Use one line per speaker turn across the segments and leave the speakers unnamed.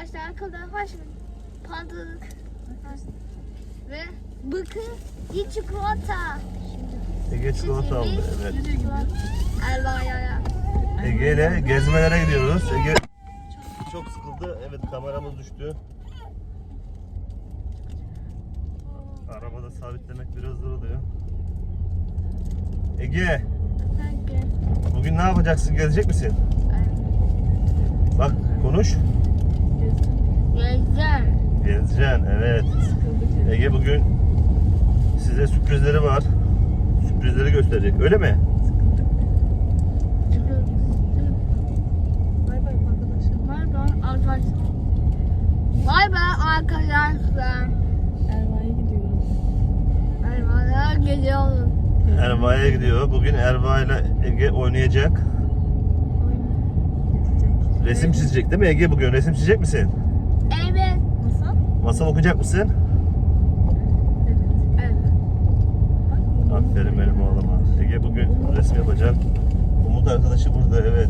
arkadaşlar kadar hoş pandalık ve bıkı bir çikolata.
Ege çikolata aldı, evet.
Elvaya.
Ege ile gezmelere gidiyoruz. Ege çok sıkıldı. Evet, kameramız düştü. Arabada sabitlemek biraz zor oluyor. Ege, bugün ne yapacaksın? Gezecek misin? Bak, konuş.
Gezeceğim.
Gezeceksin, evet. Ege bugün size sürprizleri var. Sürprizleri gösterecek, öyle mi?
Bay bay arkadaşlar. Bay bay arkadaşlar.
Erva'ya gidiyoruz.
Erva'ya gidiyoruz.
Erva'ya gidiyor. Bugün Erva ile Ege oynayacak. Resim çizecek değil mi Ege bugün? Resim çizecek misin?
Evet.
Masal?
Masal okuyacak mısın?
Evet.
Evet.
Aferin benim oğluma. Ege bugün resim yapacak. Umut arkadaşı burada, evet.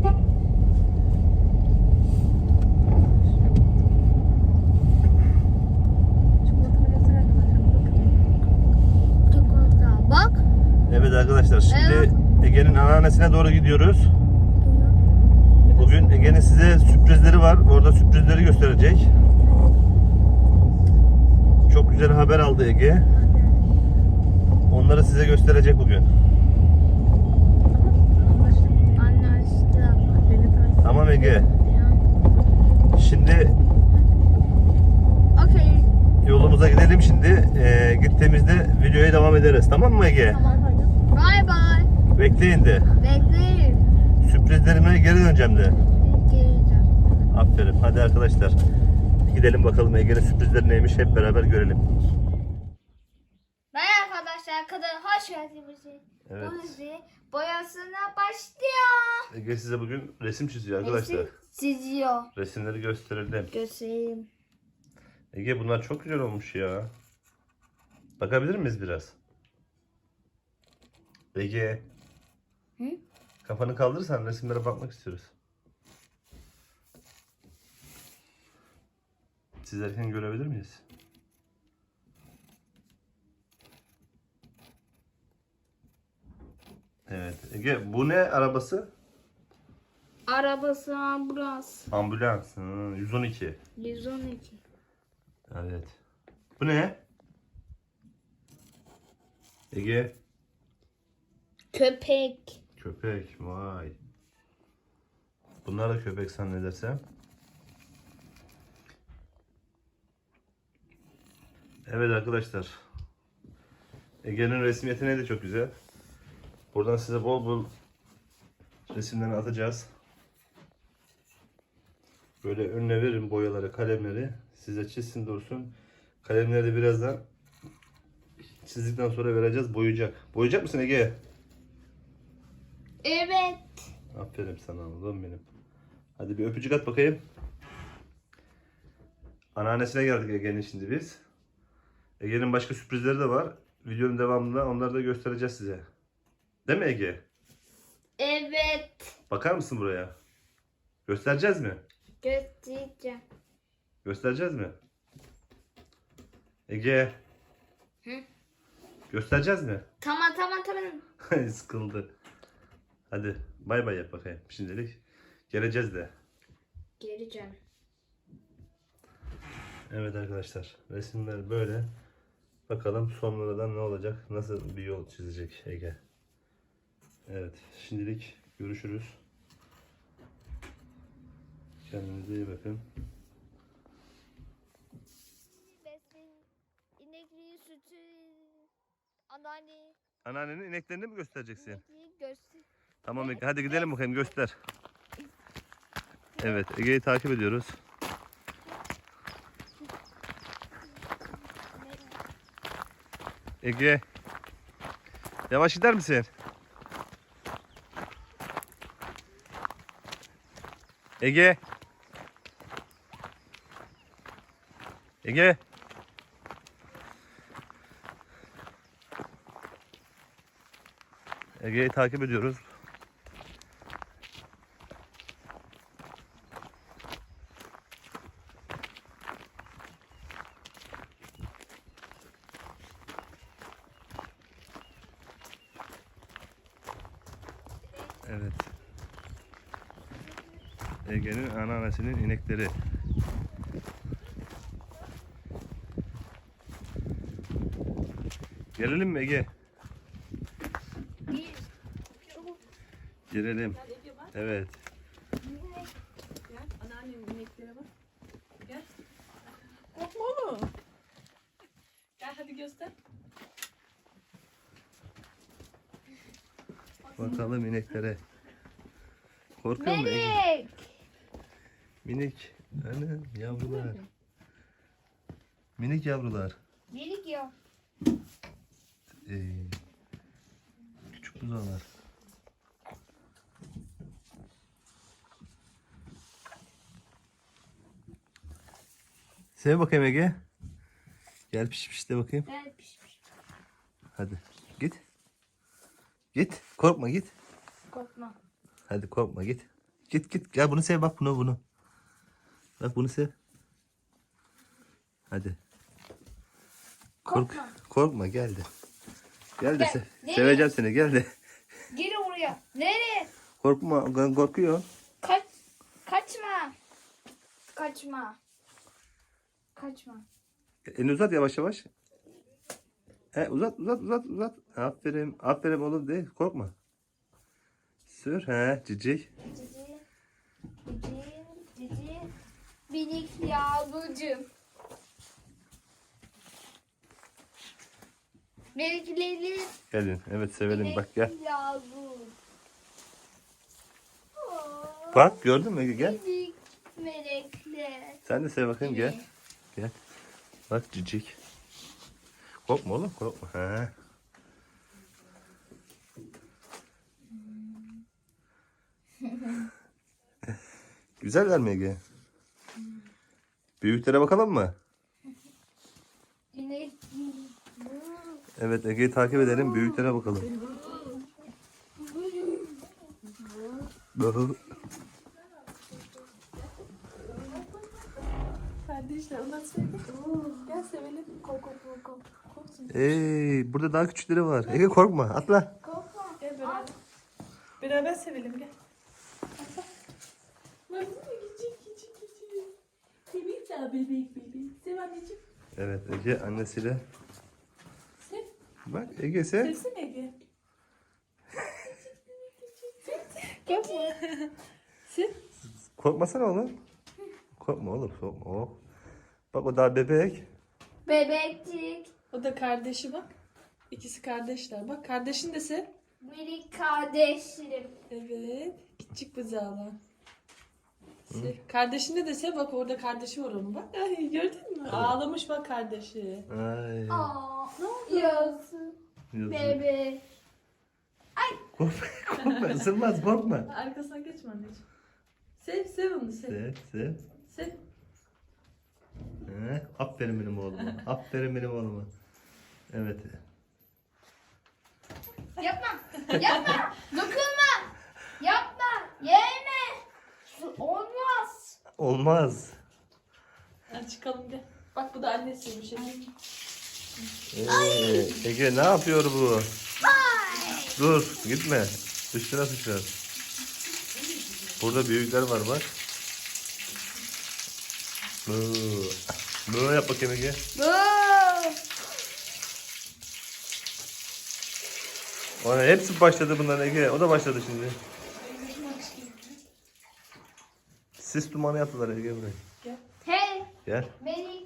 Çikolatanı göster arkadaşlar. Bakın.
Çikolata. Bak.
Evet arkadaşlar, şimdi
Evet.
Ege'nin anneannesine doğru gidiyoruz. Bugün Ege'nin size sürprizleri var. Orada sürprizleri gösterecek. Çok güzel haber aldı Ege. Onları size gösterecek bugün.
Anne işte.
Beni takip.
Tamam Ege. Şimdi
Okey.
yolumuza gidelim şimdi. Gittiğimizde videoya devam ederiz. Tamam mı Ege?
Tamam hadi.
Bye bye.
Bekleyin de.
Bekleyin.
Sürprizlerime geri döneceğim de.
Geleceğim.
Aferin. Hadi arkadaşlar. Gidelim bakalım Ege'nin sürprizleri neymiş, hep beraber görelim.
Merhaba arkadaşlar, kadın hoş geldiniz.
Evet.
Bu dizi boyasına başlıyor.
Ege size bugün resim çiziyor arkadaşlar.
Resim çiziyor.
Resimleri gösterelim.
Göstereyim.
Ege bunlar çok güzel olmuş ya. Bakabilir miyiz biraz? Ege.
Hı?
Kafanı kaldırırsan resimlere bakmak istiyoruz. Çizerken görebilir miyiz? Evet. Ege bu ne arabası?
Arabası ambulans.
Ambulans. 112.
112.
Evet. Bu ne? Ege.
Köpek.
Köpek. Vay. Bunlar da köpek zannedersem. Evet arkadaşlar. Ege'nin resim yeteneği de çok güzel. Buradan size bol bol resimlerini atacağız. Böyle önüne verin boyaları, kalemleri. Size çizsin dursun. Kalemleri de birazdan çizdikten sonra vereceğiz. Boyayacak. Boyayacak mısın Ege?
Evet.
Aferin sana oğlum benim. Hadi bir öpücük at bakayım. Anneannesine geldik Ege'nin şimdi biz. Ege'nin başka sürprizleri de var. Videonun devamında onları da göstereceğiz size. Değil mi Ege?
Evet.
Bakar mısın buraya? Göstereceğiz mi?
Göstereceğim.
Göstereceğiz mi? Ege.
Hı?
Göstereceğiz mi?
Tamam.
Sıkıldı. Hadi bay bay yap bakayım şimdilik. Geleceğiz de.
Geleceğim.
Evet arkadaşlar, resimler böyle. Bakalım sonradan ne olacak? Nasıl bir yol çizecek Ege? Evet, şimdilik görüşürüz. Kendinize iyi bakın.
Besin, inekliği, sütü, anneanne,
Anneannenin ineklerini mi göstereceksin?
inekliği göster.
Tamam Ege, hadi gidelim bakayım, göster. Evet, Ege'yi takip ediyoruz. Ege, yavaş gider misin? Ege. Ege. Ege'yi takip ediyoruz. Evet. Ege'nin anneannesinin inekleri. Gelelim mi Ege?
Bir.
Gelelim.
Gel Ege bak.
Evet.
Gel. Anneannemin ineklere bak. Gel. Korkma oğlum. Gel hadi göster.
Bakalım ineklere. Korkuyor mu Ege?
Melek.
Minik. Anam yavrular. Minik yavrular.
Melek ya.
Küçük buzağlar. Sev bakayım Ege. Gel piş piş de bakayım.
Gel pişmiş.
Hadi git. Git. Korkma git.
Korkma.
Hadi korkma git. Git git. Gel bunu sev bak bunu. Bak bunu sev. Hadi.
Korkma.
Korkma gel de. Gel de
Gel.
sev.
Nereye?
Seveceğim seni gel de.
Gel oraya. Nereye?
Korkma korkuyor.
Kaçma. Kaçma. Kaçma.
Elini uzat yavaş yavaş. Uzat. Aferin. Aferin oğlum de. Korkma. Sür. Cicik.
Cici. Minik yavrucum. Melekleri
Gelin. Evet sevelim. Bak gel.
yavru.
Bak gördün mü? Gel.
Minik melekler.
Sen de sev bakayım gel. Gel. Bak cicik. Korkma oğlum korkma. Güzeller mi Ege? Büyüklere bakalım mı?
İnek.
Evet Ege'yi takip edelim. Büyüklere bakalım.
Kardeşler onlar sevdi. Gel sevelim. Korksun.
Burada daha küçükleri var. Ege korkma. Atla.
Gel beraber. Beraber sevelim gel. Bak küçük. Bebek daha bebek. Sev anneciğim.
Evet Ege annesiyle.
Sev.
Bak Ege sev.
Sevsene Ege.
Gel buraya.
Sev.
Korkmasana oğlum. Korkma oğlum. Korkma. Oh. Bak o daha bebek.
Bebekçik.
O da kardeşi bak. İkisi kardeşler. Bak kardeşin de sev.
Minik kardeşlerim.
Evet. Küçük buzağlar. Sev. Kardeşini de sev. Bak orada kardeşi var onun bak. Ay, gördün mü? Ağlamış bak kardeşi.
Ay.
Ne oluyorsun?
Yazık.
Bebe.
Korkma. Isırmaz korkma.
Arkasına geçme anneciğim. Sev onu sev.
Sev.
Sev.
Aferin benim oğluma. Aferin benim oğluma. Evet.
Yapma. Dokunma. Yapma. Yeme. Olmaz.
Olmaz.
Hadi çıkalım gel. Bak bu da annesi bir şey.
Ege ne yapıyor bu? Dur gitme. Üstüne sıçrar. Burada büyükler var bak. Böyle yap bakayım Ege. Ona hepsi başladı bunlar Ege. O da başladı şimdi. Sis dumanı yaptılar Ege burayı.
Hey.
Gel.
Beni.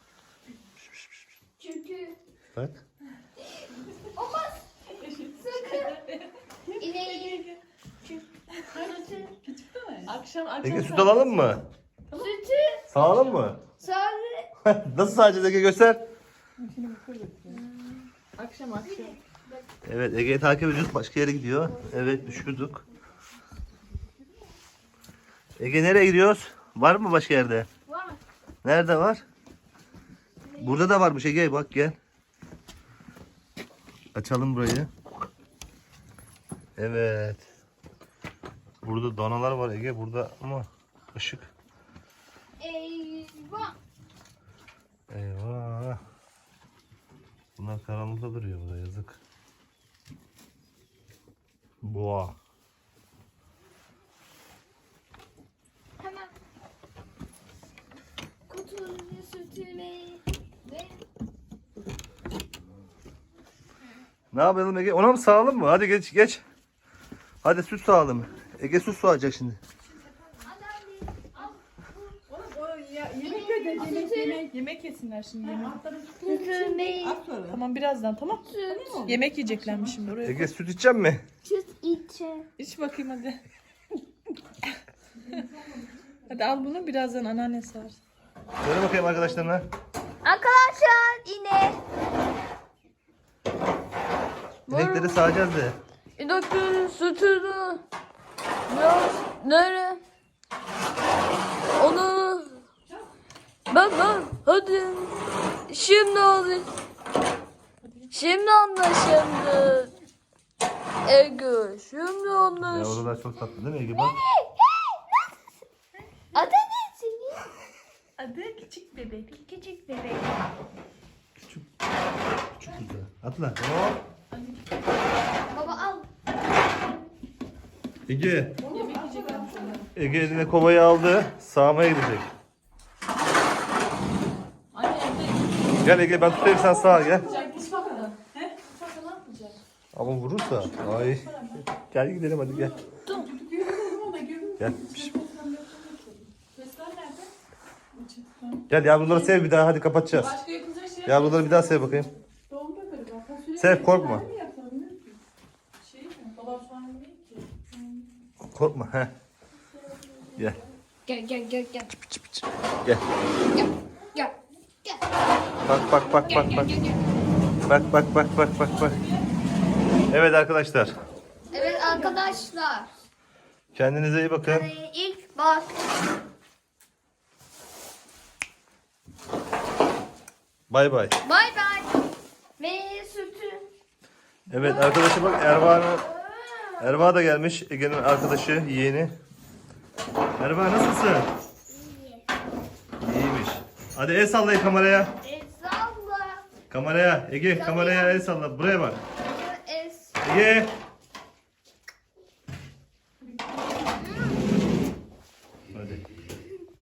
Çünkü
Bak.
olmaz. Sakın. İneği. Sütü.
Akşam
Ege süt alalım mı?
Sütü.
Sağalım mı?
Sarı.
Nasıl sağacağız Ege göster.
Akşam.
Evet Ege'yi takip ediyoruz. Başka yere gidiyor. Evet düşürdük. Ege nereye gidiyoruz? Var mı başka yerde?
Var mı?
Nerede var? Burada da varmış Ege bak gel. Açalım burayı. Evet. Burada danalar var Ege burada ama ışık.
Eyvah.
Eyvah. Bunlar karanlıkta duruyor burada yazık. Boğa. Ne yapalım Ege? Ona mı sağalım mı? Hadi geç geç. Hadi süt sağalım. Ege süt sağacak şimdi.
Oğlum o yemek öde. Yemek yesinler şimdi yemek.
Sütü ne?
Tamam birazdan tamam. Yemek yiyeceklermiş şimdi oraya.
Ege süt içecek mi?
Süt içe.
İç bakayım hadi. Hadi al bunu birazdan anneanne sağar.
Söyle bakayım arkadaşlarına.
Arkadaşlar yine.
İnekleri sağacağız de.
İneklerin sütünü biraz nere? Onu ben hadi şimdi hadi. Şimdi anlaşıldı. Ege şimdi anlaş.
Yavrular çok tatlı değil mi Ege? Bak.
Adı ne senin?
Adı küçük bebek.
Küçük bebek.
Küçük güzel. Atla. Hop.
Baba al.
Ege.
Yemek yiyeceklermiş orada.
Ege eline kovayı aldı. Sağmaya gidecek.
Anne evde
Gel Ege ben tutayım sen sağa gel.
yapacak. Hiç bakmadan. He? Hiç bakmadan ne yapacak?
Ama vurursa. Ay. Gel gidelim hadi gel.
Görmedim ama görmedim.
Gel. Piş.
Sesler nerede?
Gel yavruları sev bir daha hadi kapatacağız.
Başka yapılacak şey
Yavruları bir daha sev bakayım.
Doğumda böyle bak. Fasulye
Sev, korkma.
mi yapalım, ne yapayım? Şey mi? Babam şu an değil ki.
Korkma. Heh. Gel.
Gel.
Gel.
Gel. Gel.
Bak bak bak bak bak. Bak bak bak bak bak bak. Evet arkadaşlar.
Evet arkadaşlar.
Kendinize iyi bakın.
İlk bak.
Bay bay.
Bay bay. Ve sütü.
Evet arkadaşım bak Erva da gelmiş. Ege'nin arkadaşı, yeğeni. Erva nasılsın? İyiymiş. Hadi el sallayın kameraya.
Salla.
Kameraya. Ege kameraya el salla. Buraya bak.
Es.
Ege.